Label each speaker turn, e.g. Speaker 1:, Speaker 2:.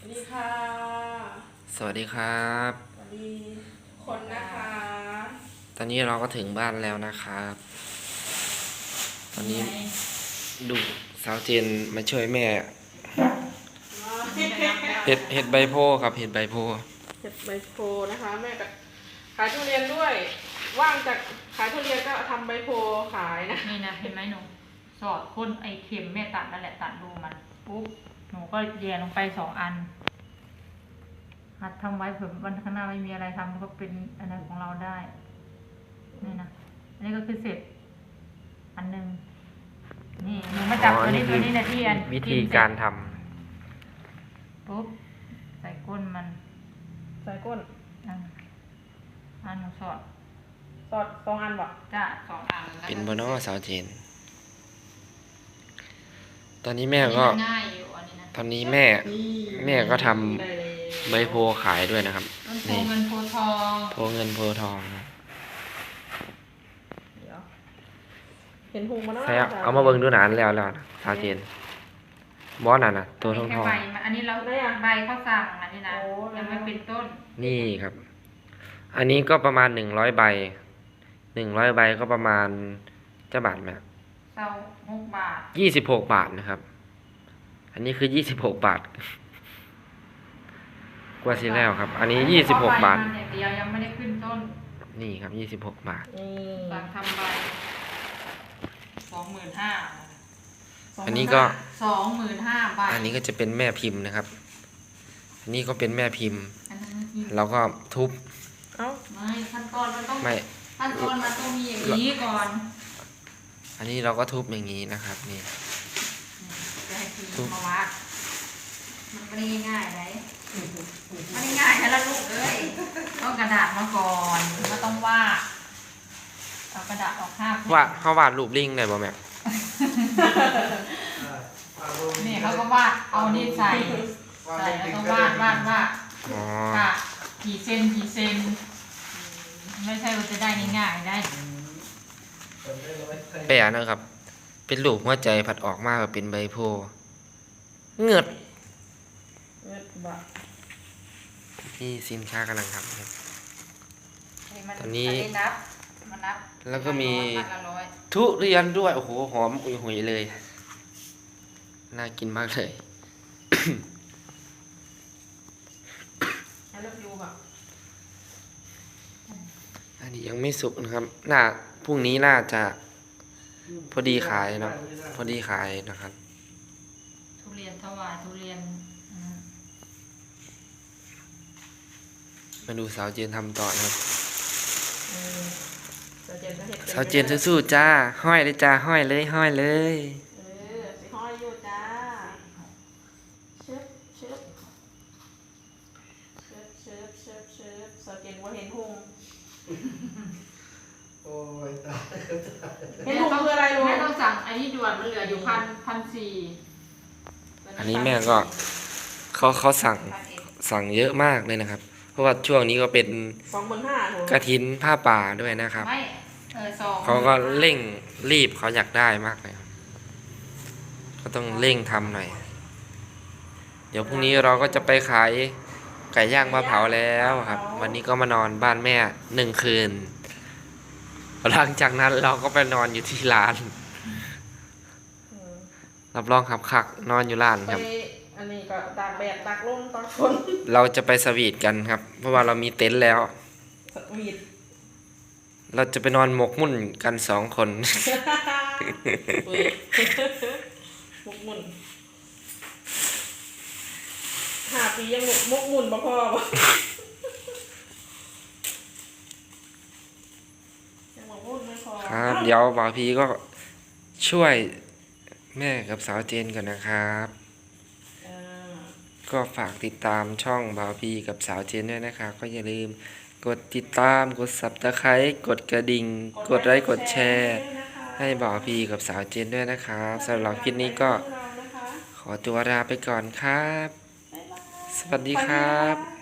Speaker 1: ดีค่ะ
Speaker 2: สวัสดีครับ
Speaker 1: สวัสดีคนนะคะ
Speaker 2: ตอนนี้เราก็ถึงบ้านแล้วนะครับตอนนี้ดูสาวเจนมาช่วยแม่เห็ดใบโพครับเห็ดใบโพ
Speaker 1: เห็ดใบโพนะคะแม่ก็ขายทุเรียนด้วยว่างจากขายทุเรียนก็ทำใบโพขายนะ
Speaker 3: นี่นะเห็นไหมหนูสอดพ่นไอเข็มแม่ตัดนั่นแหละตัดรูมันปุ๊บหนูก็แย่ลงไป2 อันหัดทำไว้เผื่อวันข้างหน้าไม่มีอะไรทำก็เป็นอะไรของเราได้นี่นะอันนี้ก็คือเสร็จอันหนึ่งนี่หนูมาจับตัวนี้นะที่อัน
Speaker 2: วิธีการท
Speaker 3: ปุ๊บใส่ก้นมัน
Speaker 1: ใส่ก้น
Speaker 3: อันหนูสอด
Speaker 1: 2 อันบ่
Speaker 3: จ้ะ2 อัน
Speaker 2: ำเป็นบนอสาวเจนตอนนี้แม่ก็
Speaker 3: ง่ายอยู่อันนี้นะ
Speaker 2: ตอนนี้แม่ก็ทำใบโพขายด้วยนะครับ
Speaker 3: โพเงินโพทอง
Speaker 2: โพเงินโพทอง
Speaker 1: เดี๋ยวเห็นหุงมาแล้ว
Speaker 2: ใช่เอามาเบิ่งดูหนานแล้วสาวเจนบอสน่ะตัวทอง
Speaker 3: อันนี้เราใบเขาสั่งอันนี้นะยังไม่เป็นต้น
Speaker 2: นี่ครับอันนี้ก็ประมาณ100 ใบ100 ใบก็ประมาณจะบาทไหม
Speaker 3: 26 บาท
Speaker 2: 26 บาทนะครับอันนี้คือ26 บาทกว่าสิแล้วครับอันนี้26 บาท
Speaker 3: เดียวยังไม่ได้ขึ้นต้น
Speaker 2: นี่ครับ26 บาท
Speaker 3: สั่งทำใบ25,000
Speaker 2: อันนี้ก็
Speaker 3: 25,000 บาท
Speaker 2: อันนี้ก็จะเป็นแม่พิมพ์นะครับอันนี้ก็เป็นแม่พิมพ์เราก็ทุบ
Speaker 3: ไม่ขั้นตอนมันต้องมีอย่างนี้ก่อน
Speaker 2: อันนี้เราก็ทุบอย่างนี้นะครับนี่
Speaker 3: ทุบมาวัดมันไม่ได้ง่ายเลยไม่ได้ง่ายนะลูกเอ้ยต้องกระดาษมาก่อนก็ต้องวาดเอากระดาษออก
Speaker 2: วาดเขาวาดรูปลิงได้บ่แม่
Speaker 3: นี่เขาก็วาดเอานี่ใส่แล้วก็วาดค่ะกี่เซนไม่ใช่ว่าจะได้ง่ายๆได้
Speaker 2: แปะนะครับเป็นรูปหัวใจผัดออกมาแบบเป็นใบโพเงือดนี่สินค้ากำลังทำครับตอนนี้แล้วก็มีทุเรียนด้วยโอ้โหหอมหุยๆเลยน่ากินมากเลยอันนี้ยังไม่สุกนะครับพรุ่งนี้น่าจะพอดีขายเนาะพอดีขายนะครับ
Speaker 3: ทุเรียนถวายทุเรียน
Speaker 2: มาดูสาวเจนทำต่อนะครับสาวเจนสู้ๆจ้าห้อยเลยจ้าห้อยเลยห้อยเลย
Speaker 1: ห้อยอยู่จ้าเชิบสาวเจนว่าเห็นหุง
Speaker 4: โอ้ยตาย
Speaker 1: เห็นหุงคืออะไรรู้
Speaker 3: ไม่ต้องสั่งอันนี้ด่วนมันเหลืออยู่1,400
Speaker 2: อันนี้แม่ก็เขาสั่งเยอะมากเลยนะครับเพราะว่าช่วงนี้ก็เป็น
Speaker 1: 25,000
Speaker 2: กฐินผ้าป่าด้วยนะครับเขาก็เร่งรีบเขาอยากได้มากเลยก็ต้องเร่งทำหน่อยเดี๋ยวพรุ่งนี้เราก็จะไปขายไก่ย่างมะเผาแล้วครับวันนี้ก็มานอนบ้านแม่1 คืนหลังจากนั้นเราก็ไปนอนอยู่ที่ร้านรับรองครับคักนอนอยู่ร้านครับ
Speaker 1: อันนี้ก็ตากแดดตากลมตากฝน
Speaker 2: เราจะไปสวีทกันครับเพราะว่าเรามีเต็นท์แล้ว
Speaker 1: สวีท
Speaker 2: เราจะไปนอนหมกมุ่นกัน2 คน
Speaker 1: หมกมุ่น5 ปียังหมกมุ่นบ่พอบ่ยังหมกมุ่นไม่พอ
Speaker 2: ครับเดี๋ยวบ่าวพีก็ช่วยแม่กับสาวเจนกันนะครับก็ฝากติดตามช่องบ่าวพีกับสาวเจนด้วยนะครับก็อย่าลืมกดติดตามกด Subscribe กดกระดิ่งกดไลค์กดแชร์ให้บ่าวพีกับสาวเจนด้วยนะครับสำหรับคลิปนี้ก็ขอตัวลาไปก่อนครับสวัสดีครับ